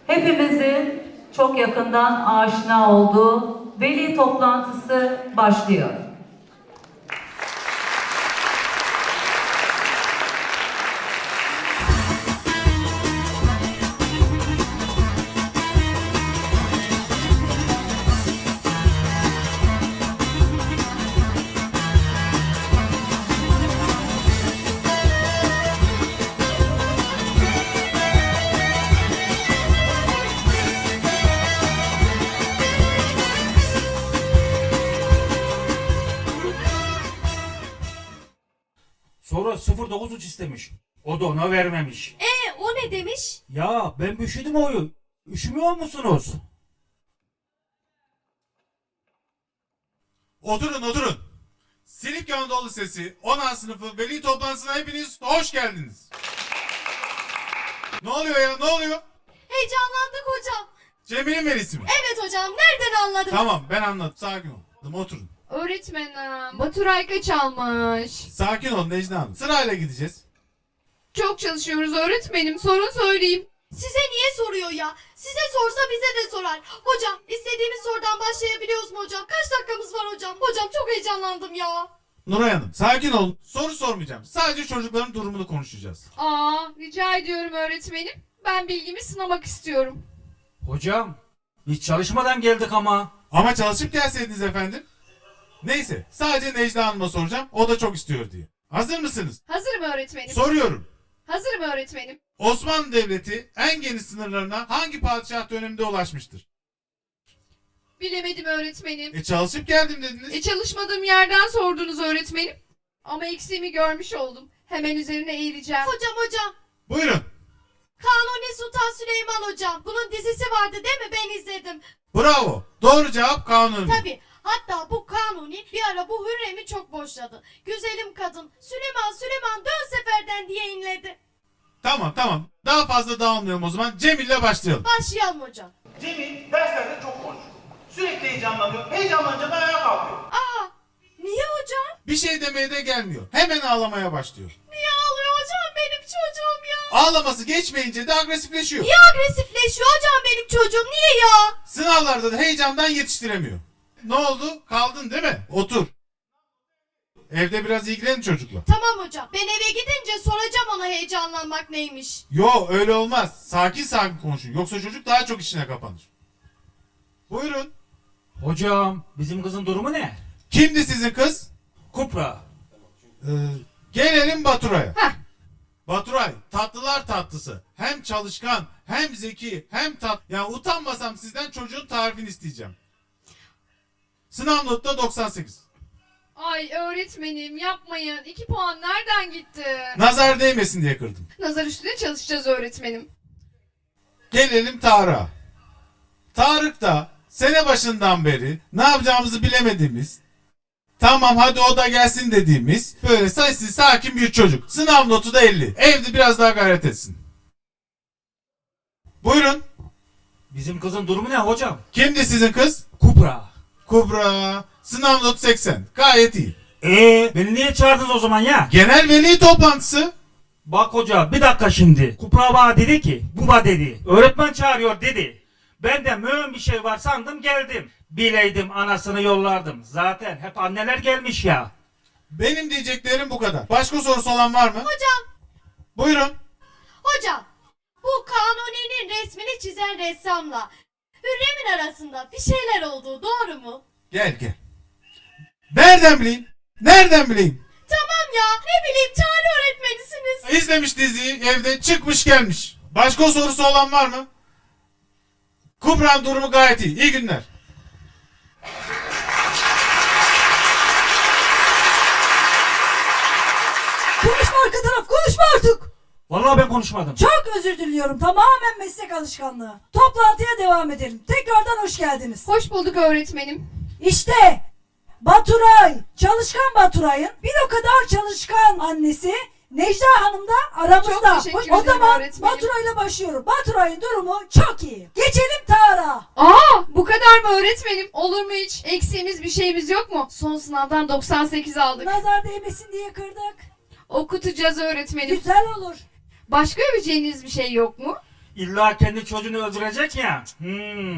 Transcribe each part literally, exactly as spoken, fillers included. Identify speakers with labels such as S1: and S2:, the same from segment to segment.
S1: Hepimizin çok yakından aşina olduğu veli toplantısı başlıyor.
S2: Sonra sıfır dokuz üç istemiş. O da ona vermemiş.
S3: E o ne demiş?
S2: Ya ben üşüdüm oyu. Üşümüyor musunuz?
S4: Oturun oturun. Silifke Anadolu Sesi on sınıfı veli toplantısına hepiniz hoş geldiniz. Ne oluyor ya ne oluyor?
S3: Heyecanlandık hocam.
S4: Cemil'in velisi mi?
S3: Evet hocam, nereden anladın?
S4: Tamam ben anladım, sakin ol. Oturun.
S5: Öğretmenim, Baturay kaç almış?
S4: Sakin ol Necla Hanım. Sırayla gideceğiz.
S5: Çok çalışıyoruz öğretmenim, sorun söyleyeyim.
S3: Size niye soruyor ya? Size sorsa bize de sorar. Hocam, istediğimiz sorudan başlayabiliyoruz mu hocam? Kaç dakikamız var hocam? Hocam çok heyecanlandım ya.
S4: Nuray Hanım sakin olun. Soru sormayacağım. Sadece çocukların durumunu konuşacağız.
S5: Aa, rica ediyorum öğretmenim. Ben bilgimi sınamak istiyorum.
S2: Hocam biz çalışmadan geldik ama.
S4: Ama çalışıp gelseydiniz efendim. Neyse sadece Necla Hanım'a soracağım. O da çok istiyor diye. Hazır mısınız?
S5: Hazırım öğretmenim.
S4: Soruyorum.
S5: Hazırım öğretmenim.
S4: Osmanlı Devleti en geniş sınırlarına hangi padişah döneminde ulaşmıştır?
S5: Bilemedim öğretmenim.
S4: E çalışıp geldim dediniz.
S5: E çalışmadığım yerden sordunuz öğretmenim. Ama eksiğimi görmüş oldum. Hemen üzerine eğileceğim.
S3: Hocam hocam.
S4: Buyurun.
S3: Kanuni Sultan Süleyman hocam. Bunun dizisi vardı değil mi? Ben izledim.
S4: Bravo. Doğru cevap Kanuni.
S3: Tabii. Hatta bu Kanuni bir ara bu Hürrem'i çok boşladı. Güzelim kadın Süleyman Süleyman dön seferden diye inledi.
S4: Tamam tamam. Daha fazla dağılmayalım o zaman. Cemil'le başlayalım.
S3: Başlayalım hocam.
S6: Cemil derslerde çok konuşuyor. Sürekli heyecanlanıyor. Heyecanlanınca da ayağa kalkıyor.
S3: Aa, niye hocam?
S4: Bir şey demeye de gelmiyor. Hemen ağlamaya başlıyor.
S3: Niye ağlıyor hocam benim çocuğum ya?
S4: Ağlaması geçmeyince de agresifleşiyor.
S3: Niye agresifleşiyor hocam benim çocuğum? Niye ya?
S4: Sınavlarda da heyecandan yetiştiremiyor. Ne oldu? Kaldın değil mi? Otur. Evde biraz ilgilenin çocukla.
S3: Tamam hocam. Ben eve gidince soracağım ona heyecanlanmak neymiş.
S4: Yo öyle olmaz. Sakin sakin konuşun. Yoksa çocuk daha çok içine kapanır. Buyurun.
S2: Hocam bizim kızın durumu ne?
S4: Kimdi sizin kız?
S2: Kupra.
S4: Ee, gelelim Baturay'a.
S5: Heh.
S4: Baturay tatlılar tatlısı. Hem çalışkan hem zeki hem tat. Yani utanmasam sizden çocuğun tarifini isteyeceğim. Sınav notu da doksan sekiz.
S5: Ay öğretmenim yapmayın. İki puan nereden gitti?
S4: Nazar değmesin diye kırdım.
S5: Nazar üstüne çalışacağız öğretmenim.
S4: Gelelim Tarık'a. Tarık da sene başından beri ne yapacağımızı bilemediğimiz, tamam hadi o da gelsin dediğimiz böyle sessiz sakin bir çocuk. Sınav notu da elli. Evde biraz daha gayret etsin. Buyurun.
S2: Bizim kızın durumu ne hocam?
S4: Kimdi sizin kız?
S2: Kupra.
S4: Kubra. Sınav notu seksen. Gayet iyi.
S2: Eee beni niye çağırdınız o zaman ya?
S4: Genel veli toplantısı.
S2: Bak hoca bir dakika şimdi. Kupra bana dedi ki baba dedi. Öğretmen çağırıyor dedi. Ben de mühim bir şey var sandım geldim. Bileydim anasını yollardım. Zaten hep anneler gelmiş ya.
S4: Benim diyeceklerim bu kadar. Başka sorusu olan var mı?
S3: Hocam.
S4: Buyurun.
S3: Hocam. Bu Kanuni'nin resmini çizen ressamla Hürrem'in arasında bir şeyler olduğu doğru mu?
S4: Gel gel. Nereden bileyim? Nereden bileyim?
S3: Tamam ya. Ne bileyim tarih öğretmenisiniz.
S4: İzlemiş diziyi evde çıkmış gelmiş. Başka sorusu olan var mı? Kubra'nın durumu gayet iyi. İyi günler.
S7: Konuşma arka taraf, konuşma artık.
S2: Vallahi ben konuşmadım.
S7: Çok özür diliyorum, tamamen meslek alışkanlığı. Toplantıya devam edelim. Tekrardan hoş geldiniz.
S5: Hoş bulduk öğretmenim.
S7: İşte Baturay, çalışkan Baturay'ın bir o kadar çalışkan annesi Necla Hanım da aramızda.
S5: Çok teşekkür
S7: o
S5: ederim
S7: zaman
S5: öğretmenim.
S7: Baturay'la başlıyorum. Baturay'ın durumu çok iyi. Geçelim Tarık'a.
S5: Aa, bu kadar mı öğretmenim? Olur mu hiç? Eksiğimiz bir şeyimiz yok mu? Son sınavdan doksan sekiz aldık.
S7: Nazar değmesin diye kırdık.
S5: Okutacağız öğretmenim.
S7: Güzel olur.
S5: Başka öveceğiniz bir şey yok mu?
S2: İlla kendi çocuğunu öldürecek ya. Hmm.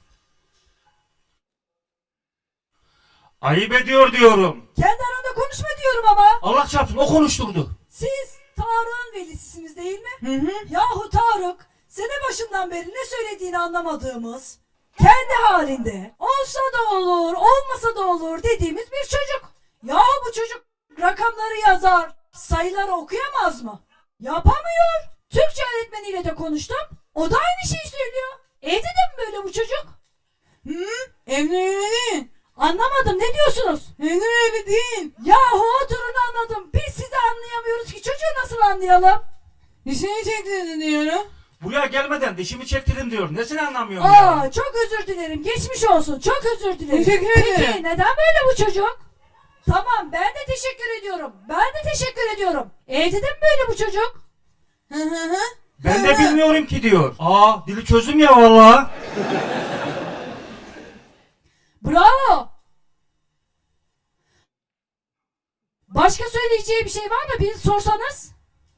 S2: Ayıp ediyor diyorum.
S7: Kendi aranda konuşma diyorum ama.
S2: Allah çarpsın o konuşturdu.
S7: Siz Tarık'ın velisisiniz değil mi? Hı hı. Yahu Tarık, sene başından beri ne söylediğini anlamadığımız, kendi halinde olsa da olur, olmasa da olur dediğimiz bir çocuk. Yahu bu çocuk rakamları yazar, sayıları okuyamaz mı? Yapamıyor. Türkçe öğretmeniyle de konuştum. O da aynı şeyi söylüyor. Evde de mi böyle bu çocuk? Hı? Evde öyle değil. Anlamadım, ne diyorsunuz? Evde öyle değil. Yahu oturun anladım. Biz sizi anlayamıyoruz ki çocuğu nasıl anlayalım? Dişini çektirdin diyorum.
S2: Buraya gelmeden dişimi çektirdim diyor. Nesini anlamıyorum ya?
S7: Aa, çok özür dilerim. Geçmiş olsun. Çok özür dilerim.
S5: Teşekkür
S7: Peki
S5: ederim.
S7: neden böyle bu çocuk? Tamam, ben de teşekkür ediyorum. Ben de teşekkür ediyorum. Evde de mi böyle bu çocuk? Hı hı hı.
S2: Ben de bilmiyorum ki diyor. Aa dili çözdüm ya vallahi.
S7: Bravo. Başka söyleyeceği bir şey var mı? Bir sorsanız.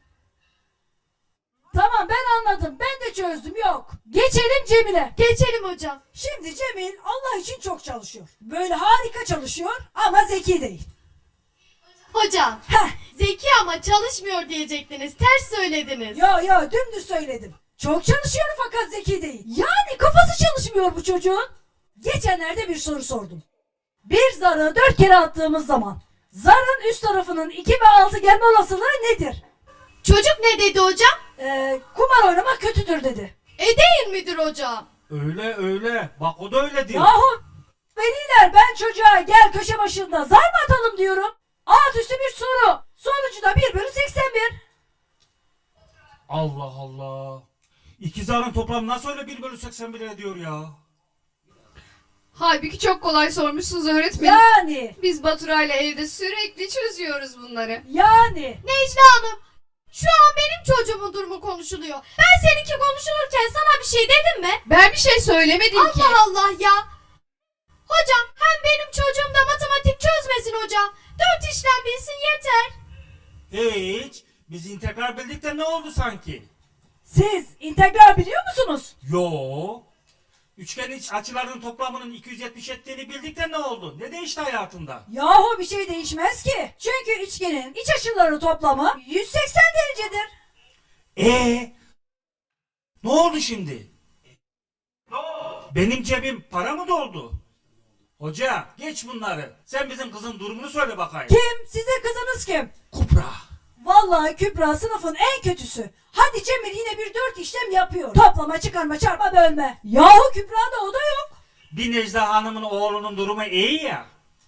S7: Tamam, ben anladım. Ben de çözdüm. Yok. Geçelim Cemile.
S3: Geçelim hocam.
S7: Şimdi Cemil Allah için çok çalışıyor. Böyle harika çalışıyor ama zeki değil.
S3: Hocam.
S7: Heh.
S3: Zeki ama çalışmıyor diyecektiniz. Ters söylediniz.
S7: Yo yo dümdüz söyledim. Çok çalışıyor fakat zeki değil. Yani kafası çalışmıyor bu çocuğun. Geçenlerde bir soru sordum. Bir zarı dört kere attığımız zaman zarın üst tarafının iki ve altı gelme olasılığı nedir?
S3: Çocuk ne dedi hocam?
S7: Ee, kumar oynamak kötüdür dedi.
S3: E değil midir hocam?
S2: Öyle öyle. Bak o da öyle diyor.
S7: Yahu veliler, ben çocuğa gel köşe başında zar mı atalım diyorum. Alt üstü bir soru. Sonucu da bir bölü seksen bir.
S2: Allah Allah. İki zarın toplamı nasıl öyle bir bölü seksen bir ediyor ya?
S5: Halbuki çok kolay sormuşsunuz öğretmenim.
S7: Yani
S5: Biz Baturay'la evde sürekli çözüyoruz bunları.
S7: yani.
S3: Necla Hanım, şu an benim çocuğumun durumu konuşuluyor. Ben seninki konuşulurken sana bir şey dedim mi?
S5: Ben bir şey söylemedim ki.
S3: Allah Allah ya. Hocam hem benim çocuğum da matematik çözmesin hocam. Dört işlem bilsin yeter.
S2: Hiç. Biz integral bildik de ne oldu sanki?
S7: Siz integral biliyor musunuz?
S2: Yo. Üçgen iç açılarının toplamının iki yüz yetmiş ettiğini bildik de ne oldu? Ne değişti hayatında?
S7: Yahu bir şey değişmez ki. Çünkü üçgenin iç açıları toplamı yüz seksen derecedir.
S2: Ee? Ne oldu şimdi? Ne oldu? Benim cebim para mı doldu? Hoca geç bunları. Sen bizim kızın durumunu söyle bakayım.
S7: Kim? Sizin kızınız kim?
S2: Kupra.
S7: Vallahi Kübra sınıfın en kötüsü. Hadi Cemil yine bir dört işlem yapıyor. Toplama, çıkarma, çarpma, bölme. Yahu Kübra'da o da yok.
S2: Bir Necla Hanım'ın oğlunun durumu iyi ya.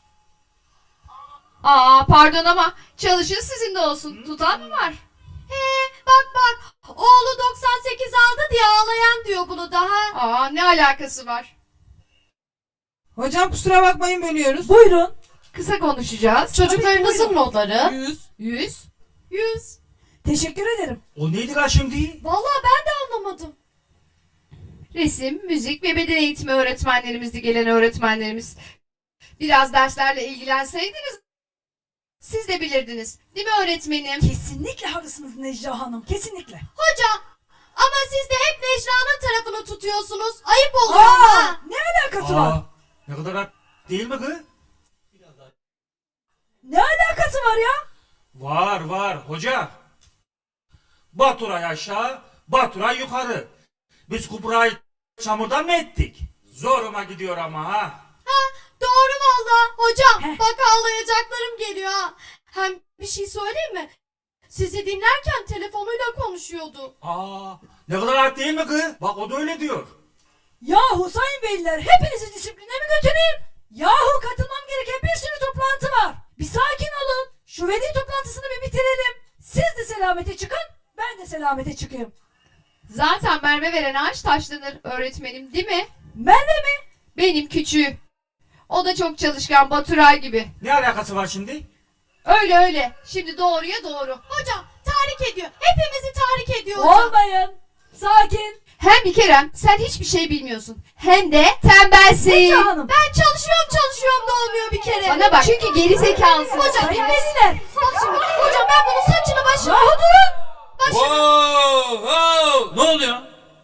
S5: Aa pardon ama çalışın sizin de olsun. Tutan mı var?
S3: He bak bak oğlu doksan sekiz aldı diye ağlayan diyor bunu daha.
S5: Aa ne alakası var?
S8: Hocam kusura bakmayın bölüyoruz.
S7: Buyurun.
S5: Kısa konuşacağız.
S3: Çocuklarınızın notları?
S8: Yüz.
S5: Yüz.
S3: Yüz.
S7: Teşekkür ederim.
S2: O neydi lan şimdi?
S3: Vallahi ben de anlamadım.
S5: Resim, müzik ve beden eğitimi öğretmenlerimizdi gelen öğretmenlerimiz. Biraz derslerle ilgilenseydiniz siz de bilirdiniz. Değil mi öğretmenim?
S7: Kesinlikle haklısınız Necla Hanım. Kesinlikle.
S3: Hocam ama siz de hep Necla'nın tarafını tutuyorsunuz. Ayıp oluyor ama.
S7: Aa, ne alakası var?
S2: Aa, ne kadar hak- değil mi kız?
S7: Ne alakası var ya?
S2: Var var hoca. Baturay aşağı, Baturay yukarı. Biz Kubra'yı çamurdan mı ettik? Zoruma gidiyor ama ha.
S3: Ha, doğru valla. Hocam
S7: Heh.
S3: bak ağlayacaklarım geliyor ha. Hem bir şey söyleyeyim mi? Sizi dinlerken telefonuyla konuşuyordu.
S2: Aa, ne kadar hak değil mi kız? Bak o da öyle diyor.
S7: Yahu sayın veliler, hepinizi disipline mi götüreyim? Yahu katılmam gereken bir sürü toplantı var. Bir sakin olun. Şu veli toplantısını bir bitirelim. Siz de selamete çıkın, ben de selamete çıkayım.
S5: Zaten merve veren ağaç taşlanır öğretmenim değil mi?
S7: Merve mi?
S5: Benim küçüğüm. O da çok çalışkan Baturay gibi.
S2: Ne alakası var şimdi?
S5: Öyle öyle. Şimdi doğruya doğru.
S3: Hocam tahrik ediyor. Hepimizi tahrik ediyor hocam.
S7: Olmayın. Sakin.
S5: Hem bir Kerem sen hiçbir şey bilmiyorsun. Hem de tembelsin.
S7: Necla Hanım.
S3: Ben çalışıyorum çalışıyorum da olmuyor bir kere.
S5: Bana bak çünkü geri zekalısın.
S3: Hocam
S7: Sayın
S3: ben,
S7: veliler.
S3: bak şimdi hocam ben bunun saçını başını...
S7: Yahu durun.
S3: başını...
S9: Oo, oo, ne oluyor?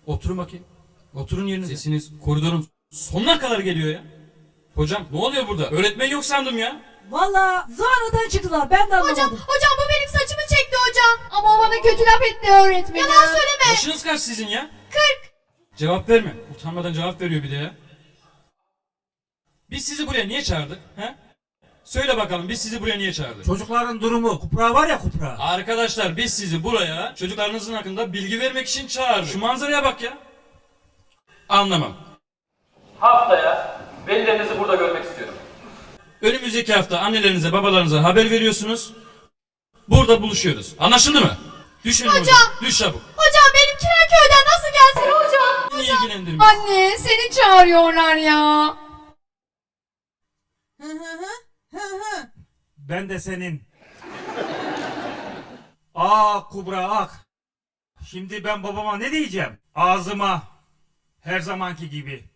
S9: Oturun bakayım. Oturun yerinize. Sesiniz koridorun sonuna kadar geliyor ya. Hocam ne oluyor burada? Öğretmen yok sandım ya.
S7: Valla sonradan çıktılar ben de anlamadım.
S3: Hocam, hocam bu benim saçımı çekti hocam.
S5: Ama o bana kötü laf etti öğretmenim.
S3: Yalan söyleme.
S9: Yaşınız kaç sizin ya?
S3: Kırk.
S9: Cevap verme. Utanmadan cevap veriyor bir de ya. Biz sizi buraya niye çağırdık? He? Söyle bakalım biz sizi buraya niye çağırdık?
S2: Çocukların durumu, Kupra var ya Kupra.
S9: Arkadaşlar biz sizi buraya çocuklarınızın hakkında bilgi vermek için çağırdık. Şu manzaraya bak ya. Anlamam. Haftaya velilerinizi burada görmek istiyorum. Önümüzdeki hafta annelerinize babalarınıza haber veriyorsunuz. Burada buluşuyoruz. Anlaşıldı mı? Düşün hocam. Düş çabuk.
S3: Hocam benimkiler köyden nasıl gelsin hocam?
S9: Niye ilgilendirmiyor?
S5: Anne seni çağırıyorlar ya.
S8: Hı hı hı. Hı hı.
S2: Ben de senin. Ah Kubra ah. Şimdi ben babama ne diyeceğim? Ağzıma her zamanki gibi